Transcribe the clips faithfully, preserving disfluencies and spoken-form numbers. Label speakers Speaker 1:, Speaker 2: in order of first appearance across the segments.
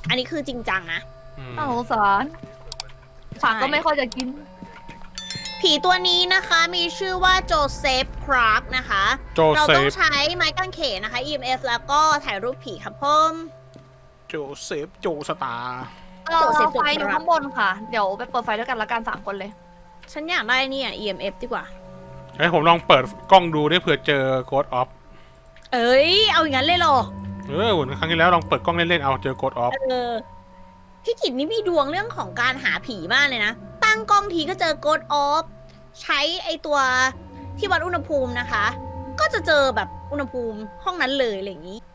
Speaker 1: อันนี้คือจริงจังนะ
Speaker 2: น่าสงสารผักก็ไม่ค่อยจะกิน
Speaker 1: ผีตัวนี้นะคะมีชื่อว่าโจเซฟคราร์กนะคะเราต้องใช้ไม้กางเขนนะคะ อี เอ็ม เอฟ แล้วก็ถ่ายรูปผีครับผม
Speaker 3: โจเซฟโจสตาร์
Speaker 2: เราไฟอยู่ข้างบนค่ะเดี๋ยวไปเปิดไฟด้วยกันละกันสามคนเลย
Speaker 1: ฉันอยากได้นี่อ่ะ อี เอ็ม เอฟ ดีกว่า
Speaker 3: เฮ้ยผมลองเปิดกล้องดูได้เผื่อเจอโกดออฟ
Speaker 1: เอ้ยเอาอย่างนั้นเลยเหรอ
Speaker 3: เออวันครั้งที่แล้วลองเปิดกล้องเล่นๆเอาเจอโกดออฟ
Speaker 1: เออพี่กิจนี่มีดวงเรื่องของการหาผีมากเลยนะตั้งกล้องทีก็เจอโกดออฟใช้ไอตัวที่วัดอุณหภูมินะคะ ก็จะเจอแบบอุณหภูมิห้องนั้นเลยอะไรอย่างนี้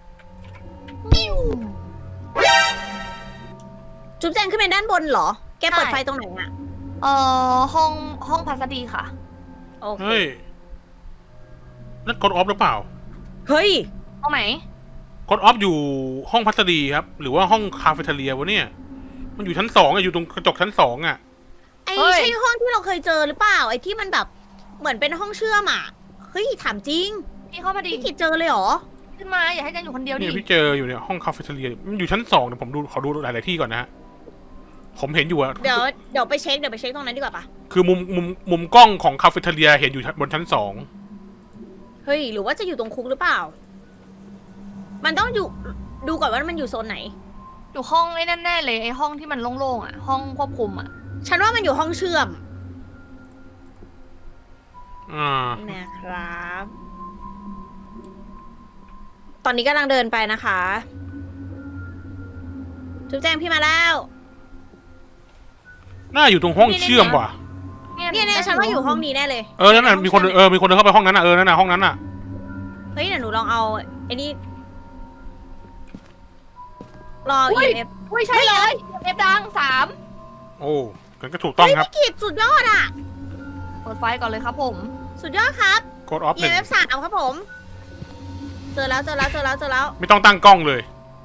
Speaker 1: จุ๊บแจงขึ้นไปด้านบนเหรอแกเปิดไฟตรงไหนอะ
Speaker 2: เอ่อห้องห้องพัสดีค่ะ
Speaker 1: โอเค
Speaker 3: เฮ้ยนั่นโกดออฟหรือเปล่า
Speaker 1: เฮ้ย
Speaker 2: ห้องไหน
Speaker 3: โกดออฟอยู่ห้องพัสดีครับหรือว่าห้องคาเฟ่เทเรียวะเนี่ยมันอยู่ชั้นสองอะอยู่ตรงกระจกชั้นสองอะ
Speaker 1: ไอ้ใช่ห้องที่เราเคยเจอหรือเปล่าไอ้ที่มันแบบเหมือนเป็นห้องเชื่อมอ่ะเฮ้ยถามจริง
Speaker 2: พี่เข้ามาดิ
Speaker 1: พี่กิจเจอเลยเหรอ
Speaker 2: ขึ้นมาอย่าให้จันอยู่คนเดียวดิ
Speaker 3: เนี่ยพี่เจออยู่เนี่ยห้องคาเฟ่เทเรียมันอยู่ชั้นสองเดี๋ยวผมดูขอดูหลายๆที่ก่อนนะฮะผมเห็นอยู่อะ
Speaker 1: เดี๋ยวเดี๋ยวไปเช็คเดี๋ยวไปเช็คตรงนั้นดีกว่าปะ
Speaker 3: คือมุมมุมมุมกล้องของคาเฟ่เทเรียเห็นอยู่บนชั้นสอง
Speaker 1: เฮ้ยหรือว่าจะอยู่ตรงคุกหรือเปล่ามันต้องอยู่ดูก่อนว่ามันอยู่โซนไหน
Speaker 2: อยู่ห้องไอ้แน่ๆเลยไอ้ห้องที่มันโล่งๆอ่ะห้องควบคุมอ่ะ
Speaker 1: ฉันว่ามันอยู่ห้องเชื่อม
Speaker 3: อ่า
Speaker 1: นะครับตอนนี้กำลังเดินไปนะคะจุ๊บแจงพี่มาแล้ว
Speaker 3: น่าอยู่ตรงห้องเชื่อมว่ะ
Speaker 1: เนี่ยเนี่ยฉันว่าอยู่ห้องนี้แน่เลย
Speaker 3: เออนั่นน่ะมีคนเออมีคนเดินเข้าไปห้องนั้นน่ะเออนั่นน่ะห้องนั้นน่ะ
Speaker 1: เฮ้ยเดี๋ยวหนูลองเอาไอ้นี่รอ อี เอ็ม เอฟ
Speaker 2: อุ้ยใช่เลย อี เอ็ม เอฟ ดังสาม
Speaker 3: โอ้กันก็ถูกต้องครับ
Speaker 1: พี่กิจสุดยอดอ่ะ
Speaker 2: เปิดไฟก่อนเลยครับผม
Speaker 1: สุดยอดครับ
Speaker 3: โกดออฟ
Speaker 1: อี เอ็ม เอฟ สามครับผมเจอแล้วเจอแล้วเจอแล้วเจอแล้ว
Speaker 3: ไม่ต้องตั้งกล้องเลย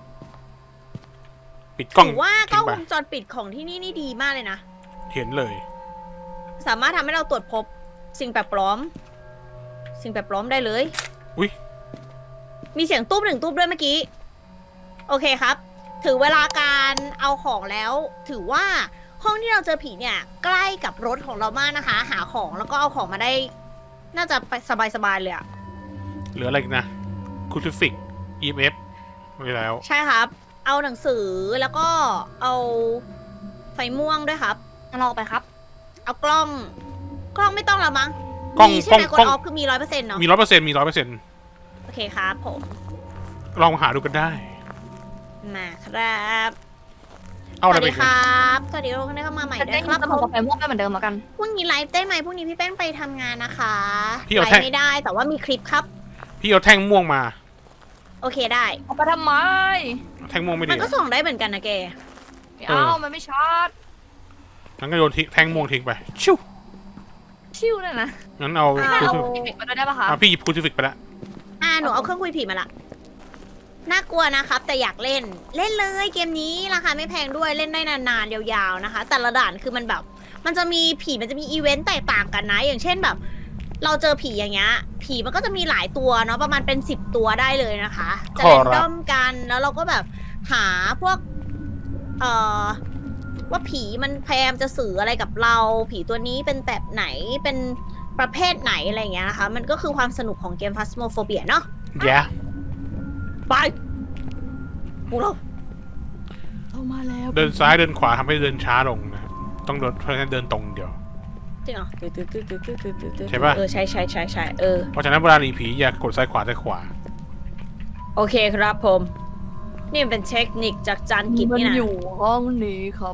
Speaker 3: ปิดกล้อง
Speaker 1: ถือว่ากล้องวงจรปิดของที่นี่นี่ดีมากเลยนะ
Speaker 3: เห็นเลย
Speaker 1: สามารถทำให้เราตรวจพบสิ่งแปลกปลอมสิ่งแปลกปลอมได้เลย
Speaker 3: อุ้ย
Speaker 1: มีเสียงตุ้มหนึ่งตุ้มด้วยเมื่อกี้โอเคครับถือเวลาการเอาของแล้วถือว่าห้องที่เราเจอผีเนี่ยใกล้กับรถของเรามากนะคะ หาของแล้วก็เอาของมาได้น่าจะไปสบายๆเลยอะ
Speaker 3: เหลืออะไรอีกนะคูติฟิก อี เอ็ม เอฟ ไว้แล้ว
Speaker 1: ใช่ครับเอาหนังสือแล้วก็เอาไฟม่วงด้วยครับ
Speaker 2: ลองไปครับ
Speaker 1: เอากล้องกล้องไม่ต้องละมั้ง
Speaker 3: กล้อง
Speaker 1: ใช่ไหมกดออฟคือมีร้อยเปอร์เซ็นต์เนาะ
Speaker 3: มีร้อยเปอร์เซ็นต์มีร้อยเปอร์เซ็นต์
Speaker 1: โอเคครับผม
Speaker 3: ลองหาดูกันได้
Speaker 1: มาครับ
Speaker 3: เอาอะไรไป
Speaker 1: ครับสวัสดีทุกคนที่เข้ามาใหม่ด้วยครับ
Speaker 2: ผมกับไฟม่วงเหมือนเดิมแล้วกัน
Speaker 1: พรุ่งนี้ไลฟ์ได้ไหมพรุ่งนี้พี่แป้งไปทำงานนะคะ
Speaker 3: พี่เอา
Speaker 1: ไล
Speaker 3: แท่ง
Speaker 1: ฟ์ไม่ได้แต่ว่ามีคลิปครับ
Speaker 3: พี่เอาแท่งม่วงมา
Speaker 1: โอเคได้
Speaker 2: เอาไปทำไม
Speaker 3: แท่งม่วงไม่ดี
Speaker 1: มันก็ส่องได้เหมือนกันนะแก
Speaker 2: เอ้ามันไม่ชาร์จ
Speaker 3: งั้นก็โยนทิ้งแท่งม่วงทิ้งไปชิว
Speaker 2: ชิวเลยนะ
Speaker 3: งั้นเอา
Speaker 2: คูติฟิกมาได้ปะคะ
Speaker 3: พี่หยิบคูติฟิกไปแล้ว
Speaker 1: อ่าหนูเอาเครื่องคุยผีมาละน่ากลัวนะครับแต่อยากเล่นเล่นเลยเกมนี้ราคาไม่แพงด้วยเล่นได้นานๆยาวๆนะคะแต่ละด่านคือมันแบบมันจะมีผีมันจะมีอีเวนต์แตกต่างกันนะอย่างเช่นแบบเราเจอผีอย่างเงี้ยผีมันก็จะมีหลายตัวเนาะประมาณเป็นสิบตัวได้เลยนะคะจะเล่นด้อมกันแล้วเราก็แบบหาพวกเอ่อว่าผีมันพยายามจะสื่ออะไรกับเราผีตัวนี้เป็นแบบไหนเป็นประเภทไหนอะไรอย่างเงี้ยนะคะมันก็คือความสนุกของเกม Phasmophobia เนาะ
Speaker 3: yeah
Speaker 1: ไปพวกเรา
Speaker 2: เข้ามาแล้ว
Speaker 3: เดินซ้ายเดินขวาทำให้เดินช้าลงนะครับต้องเดินเพราะฉะนั้นเดินตรงเดียว
Speaker 1: จริงเหรอ
Speaker 3: ใช่ป่ะ
Speaker 1: เออใช่ใช่ใช่ใช่เออ
Speaker 3: เพราะฉะนั้นเวลาหนีผีอย่ากดซ้ายขวาซ้ายขวา
Speaker 1: โอเคครับผมนี่เป็นเทคนิคจากจานกิจนี่นะ
Speaker 2: มันอยู่ห้องนี้ครับ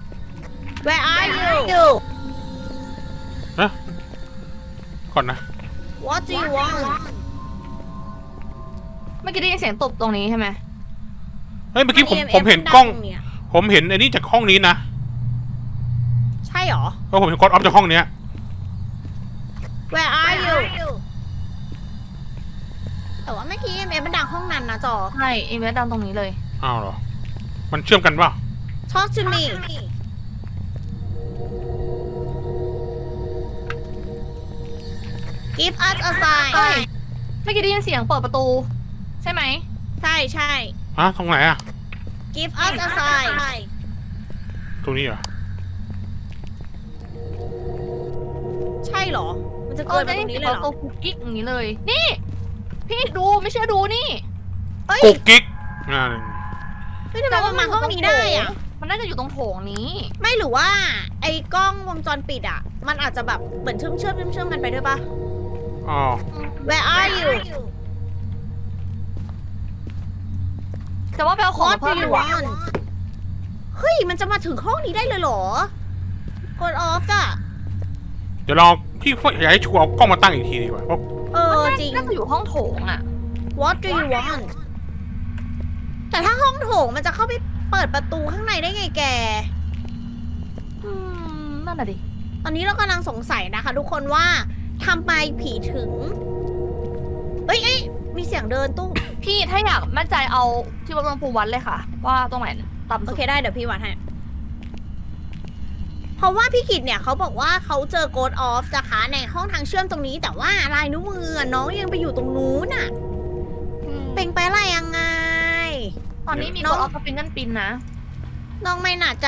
Speaker 1: Where are you
Speaker 3: นะก่อนนะ
Speaker 1: What do you want
Speaker 2: เมื่อกี้ได้ยินเสียงตบตรงนี้ใช่ไหม
Speaker 3: เฮ้ยเมื่อกี้ผมผมเห็นกล้องผมเห็นไอ้นี่จากห้องนี้นะ
Speaker 1: ใช่หรอ
Speaker 3: เพราะผมเห็นกดออฟจากห้องเนี้ย
Speaker 1: Where are you แต่ว่าเมื่อกี้เอ็มเอมันดังห้องนั้นนะจอ
Speaker 2: ใช่เอ็มเอดังตรงนี้เลย
Speaker 3: อ้าวเหรอมันเชื่อมกันป่ะ
Speaker 1: Talk to me Give us a sign
Speaker 2: เมื่อกี้ได้ยินเสียงเปิดประตูใช่ไหม
Speaker 1: ใช่ใช่
Speaker 3: ฮะตรงไหนอะ
Speaker 1: give us a sign
Speaker 3: ตรงนี้เหรอ
Speaker 1: ใช่เหรอ มันจะ
Speaker 2: เอ
Speaker 1: เกิ
Speaker 2: อน
Speaker 1: ไป
Speaker 2: จะ
Speaker 1: ต
Speaker 2: ได้
Speaker 1: รงนี้
Speaker 2: เห็น
Speaker 1: เลยเหร
Speaker 2: ตั
Speaker 1: อ
Speaker 2: วกุ๊กกิ๊กอย่างนี้เลย นี่ พี่ดูไม่เชื่อดูนี่
Speaker 1: เอ้ย
Speaker 3: กุ๊กกิ๊กอ่า
Speaker 1: เฮ้ยทำไมมันมาห้องนี้ได้อะ
Speaker 2: มันน่าจะอยู่ตรงโถงนี้
Speaker 1: ไม่หรือว่า ไอ้กล้องวงจรปิดอะมันอาจจะแบบเหมือนเชื่อมเชื่อมเชื่อมเชื่อมกันไปด้วยปะ
Speaker 3: อ๋อ
Speaker 1: Where are you
Speaker 2: แต่ว่าไปเอาของ
Speaker 1: What
Speaker 2: มาเพิ่
Speaker 1: do
Speaker 2: ม
Speaker 1: you
Speaker 2: ดีกว่า
Speaker 1: want เฮ้ย มันจะมาถึงห้องนี้ได้เลยเหรอ กด off อะ
Speaker 3: เดี๋ยวลองพี่อยากให้ชัวร์เอากล้องมาตั้งอีกทีดีกว่าเพราะ
Speaker 1: เออจริง
Speaker 2: น่าจะอยู่ห้องโถงอ่ะ
Speaker 1: What do you want แต่ถ้าห้องโถงมันจะเข้าไปเปิดประตูข้างในได้ไงแก
Speaker 2: อืม นั่นน่ะดิ
Speaker 1: ตอนนี้เรากำลังสงสัยนะคะทุกคนว่าทำไมผีถึง เอ้ยเอ้ยมีเสียงเดินตู้
Speaker 2: พี่ถ้าอยากมั่นใจเอาที่วัดอุณหภูมิวัดเลยค่ะ ว่าตรงไหนต่ำ
Speaker 1: โอ
Speaker 2: สุด
Speaker 1: เคได้เดี๋ยวพี่วัดให้ เพราะว่าพี่กิตเนี่ยเขาบอกว่าเขาเจอโกดออฟนะคะในห้องทางเชื่อมตรงนี้ แต่ว่าลายนิ้วมือน้องยังไปอยู่ตรงนู้นน่ะ
Speaker 2: อืม
Speaker 1: เป็นไปอะไรยังไง
Speaker 2: ตอนนี้มี
Speaker 1: น้
Speaker 2: ก
Speaker 1: อง
Speaker 2: ดออฟกับฟิงเกิลปินนะ
Speaker 1: น้องไม่น่าจะ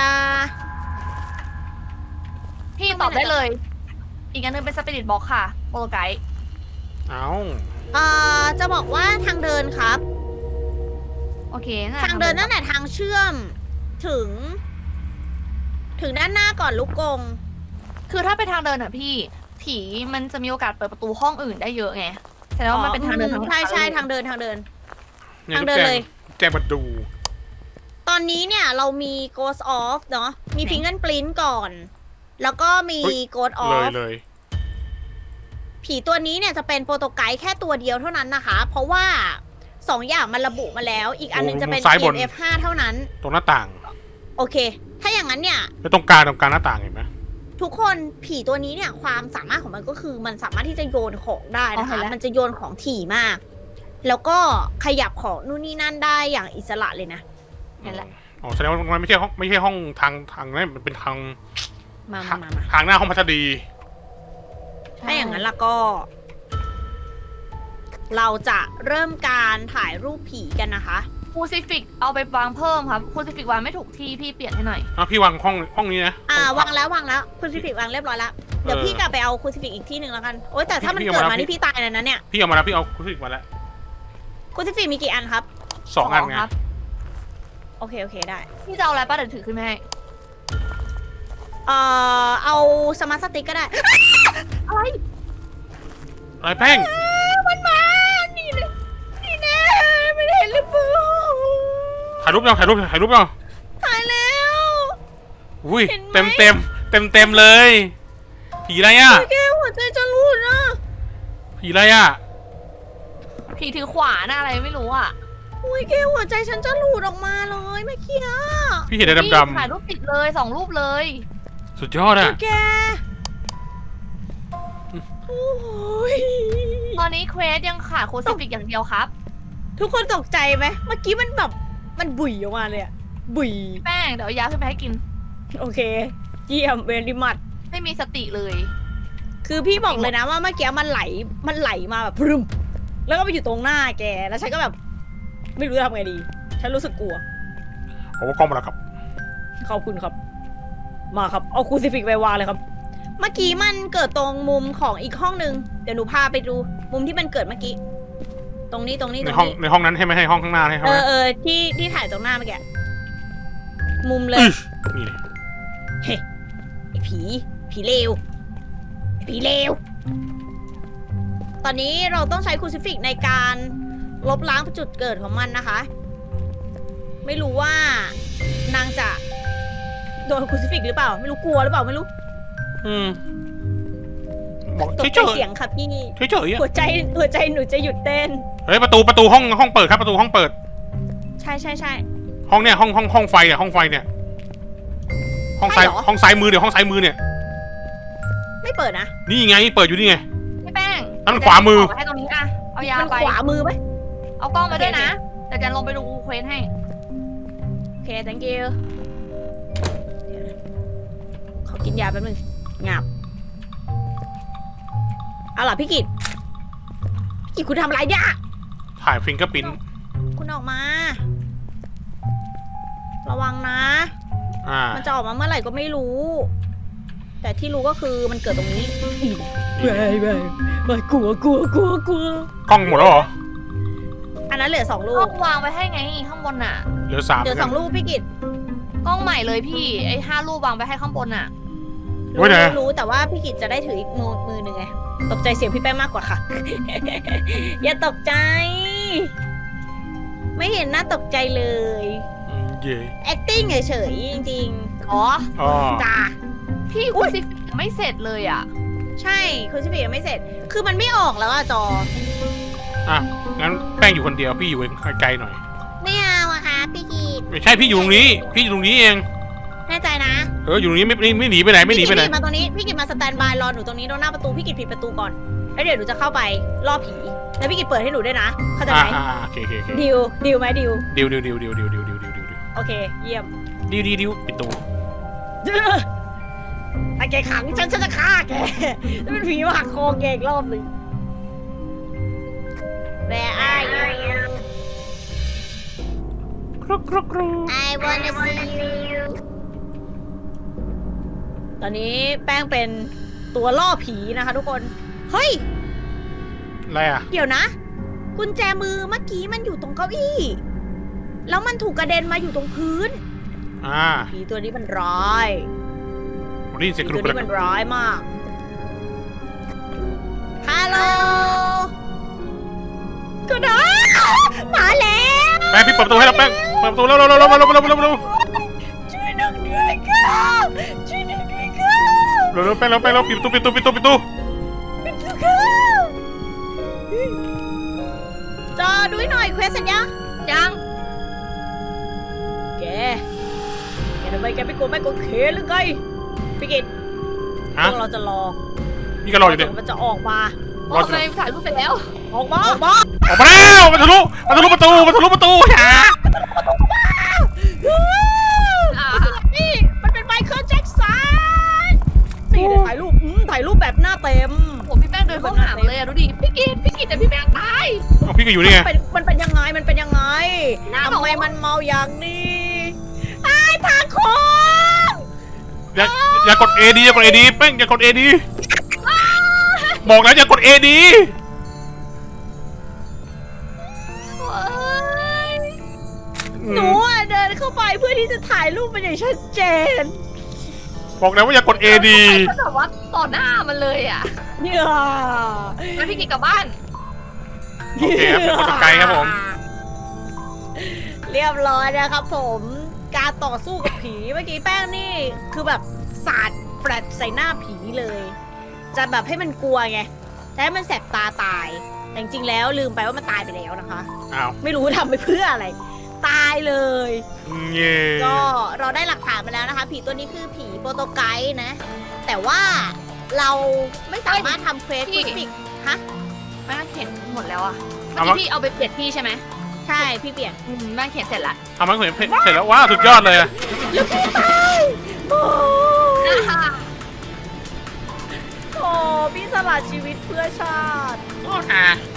Speaker 2: พี่ตอบได้เลย อีกอันหนึงเป็นสปิริตบ็อกค่ะโปรไกด์
Speaker 3: เอา
Speaker 1: เอ่อจะบอกว่าทางเดินครับ
Speaker 2: โอเคน่ะ
Speaker 1: ทางเดินนั่นแหละทางเชื่อมถึง ถึงด้านหน้าก่อนลูกกง
Speaker 2: คือถ้าไปทางเดินอ่ะพี่ ผีมันจะมีโอกาสเปิดประตูห้องอื่นได้เยอะไงแสดงว่ามันเป็นทางเดินทาง
Speaker 1: ใช่ใช่
Speaker 2: เลย
Speaker 1: ทางเดินทางเดิน
Speaker 3: เนี่ย
Speaker 1: ทางเดินเลย
Speaker 3: แจ้งมาดู
Speaker 1: ตอนนี้เนี่ยเรามี Ghost Off เนาะมี Fingerprint ก่อน แล้วก็มี Ghost
Speaker 3: เลย
Speaker 1: Off
Speaker 3: เลย
Speaker 1: ผีตัวนี้เนี่ยจะเป็นโปรโตไกด์แค่ตัวเดียวเท่านั้นนะคะ เพราะว่าสองอย่างมันระบุมาแล้ว อีกอันหนึงจะเป็น
Speaker 3: ซ้ายบน
Speaker 1: อี เอ็ม เอฟ ห้า เท่านั้น
Speaker 3: ตรงหน้าต่าง
Speaker 1: โอเค ถ้าอย่างนั้นเนี่ย
Speaker 3: แล้วตรงกลางตรงกลางหน้าต่างเห็นไหม
Speaker 1: ทุกคนผีตัวนี้เนี่ยความสามารถของมันก็คือมันสามารถที่จะโยนของได้นะคะ มันจะโยนของถี่มาก แล้วก็ขยับของนู่นนี่นั่นได้อย่างอิสระเลยนะ
Speaker 2: นั่นแหละ
Speaker 3: อ๋อแสดงว่ามันไม่ใช่ห้องไม่ใช่ห้องทางทางนั้นมันเป็นทาง
Speaker 1: มามามามา
Speaker 3: ทางหน้าห้องพัสดี
Speaker 1: ถ้าอย่างนั้นล่ะก็ เราจะเริ่มการถ่ายรูปผีกันนะคะ
Speaker 2: คูซิฟิกเอาไปวางเพิ่มครับคูซิฟิกวางไม่ถูกที่พี่เปลี่ยนให้หน่อย
Speaker 3: อ่ะพี่วางห้องห้องนี้นะ
Speaker 1: อ่า
Speaker 3: ห้
Speaker 1: วางแล้ววางแล้วคุณซิฟิกวางเรียบร้อยแล้ว เดี๋ยว
Speaker 3: เออ
Speaker 1: พี่กลับไปเอาคูซิฟิกอีกที่หนึ่งแล้วกัน โอ๊ยแต่ถ้ามัน
Speaker 3: พี่
Speaker 1: เกิด
Speaker 3: เอา
Speaker 1: มา
Speaker 3: มา
Speaker 1: นี่พี่ตายเลยนะเนี่ย
Speaker 3: พี่เอามาแล้วพี่เอาคุณิกมาแล้ว
Speaker 1: คูซิฟิกมีกี่อันครับ
Speaker 3: สองอันไง
Speaker 2: ครับ
Speaker 1: โอเคโอเคได้
Speaker 2: พี่จะเอาอะไรป้าเดี๋ยวถือขึ้นมาให้
Speaker 1: เอ่อเอาสมาร์ทสติ๊กก็ได้
Speaker 2: อะไร
Speaker 3: อะไรแป้ง
Speaker 1: มันมา นี่เลยนี่แน่ไม่ได้เห็นหรือเปล่า
Speaker 3: ถ่ายรูปยังถ่ายรูปถ่ายรูปยัง
Speaker 1: ตายแล้ว
Speaker 3: อุ้ย
Speaker 1: เห็นไหม
Speaker 3: เต็มเต็มเต็มเต็มเลย ผีอะไรอ่ะ
Speaker 1: แกหัวใจจะรูดนะ
Speaker 3: ผีอะไรอ่ะ
Speaker 2: ผีถือขวานอะอะไรไม่รู้อ่ะ
Speaker 1: อุ้ยแกหัวใจฉันจะหลุดออกมาเลยเมื่อกี้อะ
Speaker 3: พี่เห็นอะไร
Speaker 2: พี่
Speaker 3: ด
Speaker 2: ถ่ายรูปติดเลยสองรูปเลย
Speaker 3: ำๆสุดยอดอ่ะ
Speaker 1: แกโอ้ย
Speaker 2: ตอนนี้เควสยังขาดคูซิฟิกอย่างเดียวครับ
Speaker 1: ทุกคนตกใจไหมเมื่อกี้มันแบบมันบุ๋ยออกมาเลยอะบุ๋ย
Speaker 2: แป้งเดี๋ยวเอายาขึ้นไปให้กิน
Speaker 1: โอเค เยี่ยมเวลิมัด
Speaker 2: ไม่มีสติเลย
Speaker 1: คือพี่บอกเลยนะว่าเมื่อกี้มันไหลมันไหลมาแบบพรึมแล้วก็ไปอยู่ตรงหน้าแกแล้วฉันก็แบบ ไม่รู้จะทำไงดี ฉันรู้สึกกลัว
Speaker 3: โอ้กล้องมาแล้วครับ
Speaker 1: ขอบคุณครับ มาครับ เอาคูซิฟิกไปวางเลยครับ เมื่อกี้มันเกิดตรงมุมของอีกห้องนึง เดี๋ยวหนูพาไปดู มุมที่มันเกิดเมื่อกี้ ตรงนี้ตรงนี้ต
Speaker 3: ใน
Speaker 1: รง
Speaker 3: ห้อง
Speaker 1: นี้
Speaker 3: ในห้องนั้นให้ไหมให้ห้องข้างหน้าให้ไหม
Speaker 1: เออเออที่ที่ถ่ายตรงหน้าเมื่อกี้ มุมเลย
Speaker 3: อื้อนี่เลย
Speaker 1: เฮ้ไอ้ผี ผีเลวไอ้ผีเลว ตอนนี้เราต้องใช้คูซิฟิกในการลบล้างจุดเกิดของมันนะคะ ไม่รู้ว่านางจะโดนคูซิฟิกหรือเปล่า ไม่รู้กลัวหรือเปล่าไม่รู้
Speaker 3: อืมบอก
Speaker 1: ตก
Speaker 3: เฉ
Speaker 1: ใจ
Speaker 3: ย
Speaker 1: เสียงค่ะพี่
Speaker 3: ๆเฉยๆอ่ะ
Speaker 1: หัวใจหัวใจหนูจะหยุดเต้น
Speaker 3: เฮ้ยประตูประตูห้องห้องเปิดครับประตูห้องเปิด
Speaker 1: ใช่ใช่ใช่
Speaker 3: ห้องเนี่ยห้องห้องห้องไฟเนี่ยห้องไฟเนี่ย ห้องซ้าย
Speaker 1: ใช่เหรอ
Speaker 3: ห้องซ้ายมือเดี๋ยวห้องซ้ายมือเนี่ย
Speaker 1: ไม่เปิดนะ
Speaker 3: นี่ไงเปิดอยู่นี่ไง
Speaker 2: พี่แป้ง
Speaker 3: นั่นขวามือ
Speaker 2: เดี๋ยวให้ตรงนี้อะเอายา
Speaker 1: มัน
Speaker 2: ไป
Speaker 1: ขวามือไหม
Speaker 2: เอากล้องมาด้วยนะ
Speaker 1: โอเค
Speaker 2: เดี๋ยวจะลงไปดูเควสให้
Speaker 1: โอเค thank you เดี๋ยวนะขอกินยาแป๊บนึงงับเอาล่ะพี่กิตพี่กิตคุณทำอะไรเนี่ย
Speaker 3: ถ่ายฟิงเกอร์ปิ้น
Speaker 1: คุณออกมาระวังนะ
Speaker 3: อ่า
Speaker 1: มันจะออกมาเมื่อไหร่ก็ไม่รู้ แต่ที่รู้ก็คือมันเกิดตรงนี้ไปไปไปกลัวกลัวกลัวกลัว
Speaker 3: กล้องหมดแล้วเหรอ
Speaker 1: อันนั้นเหลือสองลู
Speaker 2: ต้
Speaker 1: ก
Speaker 2: องวางไว้ให้ไงข้างบนน่ะ
Speaker 3: เหลือสาม
Speaker 1: เหลือสองลูกพี่กิต
Speaker 2: กล้องใหม่เลยพี่ไอ้ห้ารูปวางไว้ให้ข้างบนน่ะ
Speaker 3: โอ้ย
Speaker 1: รู้
Speaker 3: นะ
Speaker 1: รู้แต่ว่าพี่กิตจะได้ถืออีกมือมือหนึ่งไง ตกใจเสียงพี่แป้งมากกว่าค่ะ อย่าตกใจ ไม่เห็นน่าตกใจเลย
Speaker 3: อืมเย่
Speaker 1: acting เฉยๆจริง
Speaker 2: อ๋อ
Speaker 3: อ๋อ
Speaker 1: ๆจ้า
Speaker 2: พี่
Speaker 1: อุ๊
Speaker 2: คุณ
Speaker 1: ย
Speaker 2: ซิฟิกไม่เสร็จเลยอ่ะ
Speaker 1: ใช่คุณชิฟิยังไม่เสร็จ คือมันไม่ออกแล้วอะจอ
Speaker 3: อ่ะงั้นแป้งอยู่คนเดียวพี่อยู่ไกลๆหน่อย
Speaker 1: ไม่เอาอะค่ะพี่กิต
Speaker 3: ไม่ใช่พี่อยู่ตรงนี้ พี่อยู่ตรงนี้เอง
Speaker 1: แน่ใจนะ
Speaker 3: เอออยู่ตรงนี้ไม่ไม่ไม่หนีไปไหนไม่หนีไปไหน
Speaker 1: พี่กิตมาตรงนี้พี่กิตมาสแตนบายรอหนูตรงนี้ตรงหน้าประตูพี่กิตปิดประตูก่อนแล้วเดี๋ยวหนูจะเข้าไปล่อผีแล้วพี่กิตเปิดให้หนูด้วยนะเข้าใจ
Speaker 3: อ่า
Speaker 1: ไหม
Speaker 3: อ่าโอเคโอเคโอเค
Speaker 1: ดิวดิวไหมดิว
Speaker 3: ดิวดิวดิวดิวดิวดิวดิวดิวดิวดิว
Speaker 1: โอเค เยี่ยม
Speaker 3: ดิวดิวดิวปิดตู้
Speaker 1: ไอ้แกขังฉันฉันจะฆ่าแกแล้วเป็นผีมาหักคอแกอีกรอบหนึ่ง Where are you
Speaker 3: กรุกกรุกกรุ
Speaker 1: I wanna see you ตอนนี้แป้งเป็นตัวล่อผีนะคะทุกคน เฮ้ย
Speaker 3: อะไรอ่ะ
Speaker 1: เดี๋ยวนะ กุญแจมือเมื่อกี้มันอยู่ตรงเก้าอี้ แล้วมันถูกกระเด็นมาอยู่ตรงพื้น
Speaker 3: อ่า
Speaker 1: ผีตัวนี้มันร้าย
Speaker 3: ผมได้ยินเสียงก
Speaker 1: ผี
Speaker 3: รุก
Speaker 1: ตัว
Speaker 3: กรุ
Speaker 1: นี้
Speaker 3: ก
Speaker 1: มันร้ายมาก ฮัลโหลก็ได้มาแล้ว
Speaker 3: แป้งพี่เปิดประตูให้แล้วแป้งเปิดประตูเร็วเร็วเร็วเร็วเร็วเร็วเร็วเร็วเร็ว
Speaker 1: ช่วยหนึ่งด้วยครับช่วยหนึ่งด้วยครับ
Speaker 3: เร็วเร็วแป้งเร็วแป้งเร็วปิดประตูปิดประตูปิดประตูปิดประตู
Speaker 1: เป็นทุกครับจอดูให้หน่อยเควสสัญญา
Speaker 2: ยัง
Speaker 1: แก แกทำไมแกไม่กลัวไม่กลัวเขหรือไงพี่กิตพ
Speaker 3: ฮะ
Speaker 1: วกเราจะรอ
Speaker 3: นี่ก็รออยู่
Speaker 1: เดี๋
Speaker 3: เนี่ย
Speaker 1: ยวมันจะออกมา
Speaker 2: โอ้ทำไมถ่ายรูปไปแล้ว
Speaker 1: ออกมา ออกมา
Speaker 3: ออกมาแล้วมันทะลุมันทะลุประตูมันทะลุประตูหา
Speaker 2: อ่า
Speaker 1: นี่มันเป็นไมเคิลแจ็คสันนี่เดี๋ยวถ่ายรูปอืมถ่ายรูปแบบหน้าเต็ม
Speaker 2: ผมพี่แป้งเดินเข้าหาเลยอะดูดิพี่กิตพี่กิตแต่พี่แป้งตาย
Speaker 3: เอาพี่ก็อยู่นี่ไง
Speaker 1: เป็นมันเป็นยังไง มันเป็นยังไง
Speaker 2: หน้าหน
Speaker 1: ทำ
Speaker 2: อ
Speaker 1: ไมมันเมาอย่างนี้ไอ้ทางโค้ง
Speaker 3: อย่าอย่ากดเอดีอย่ากดเอดีแป้งอย่ากดเอดีบอกแล้วอย่ากดเอดี
Speaker 2: เอ้ย
Speaker 1: หนูอะเดินเข้าไปเพื่อที่จะถ่ายรูปมันอย่างชัดเจน
Speaker 3: บอกแล้วว่าอย่ากดเอดี
Speaker 2: ก็แบบว่าต่อหน้ามันเลยอ่ะ
Speaker 1: เนี่ย
Speaker 2: แล้วพี่กิตกลับบ้าน
Speaker 3: โอเคครับเป็นคนไกลครับผม
Speaker 1: เรียบร้อยนะครับผม การต่อสู้กับผีเมื่อกี้แป้งนี่คือแบบสาดแฟลชใส่หน้าผีเลย จะแบบให้มันกลัวไงแต่ให้มันแสบตาตาย แต่จริงๆแล้วลืมไปว่ามันตายไปแล้วนะคะ
Speaker 3: อ้าว
Speaker 1: ไม่รู้ทำไปเพื่ออะไร ตายเลย
Speaker 3: เย่
Speaker 1: ก็เราได้หลักฐานมาแล้วนะคะ ผีตัวนี้คือผีโปรโตไกด์นะ แต่ว่าเราไม่สามารถทำเควส
Speaker 2: พี่
Speaker 1: ฟิสิกฮะ
Speaker 2: แม่งเขียนหมดแล้วอ่ะเมื่อกี้พี่เอาไปเปลี่ยนที่ใช่ไหม
Speaker 1: ใช่พี่เปลี่ยน
Speaker 2: อืมแม่งเขียนเสร็จละ
Speaker 3: ทำมันเสร็จเสร็จแล้วว้าวสุดยอดเลยอะ
Speaker 1: แล้วพี่ตายโอ้
Speaker 2: อ่า
Speaker 1: โหพี่สละชีวิตเพื่อชาติ
Speaker 3: โอ้ค่ะ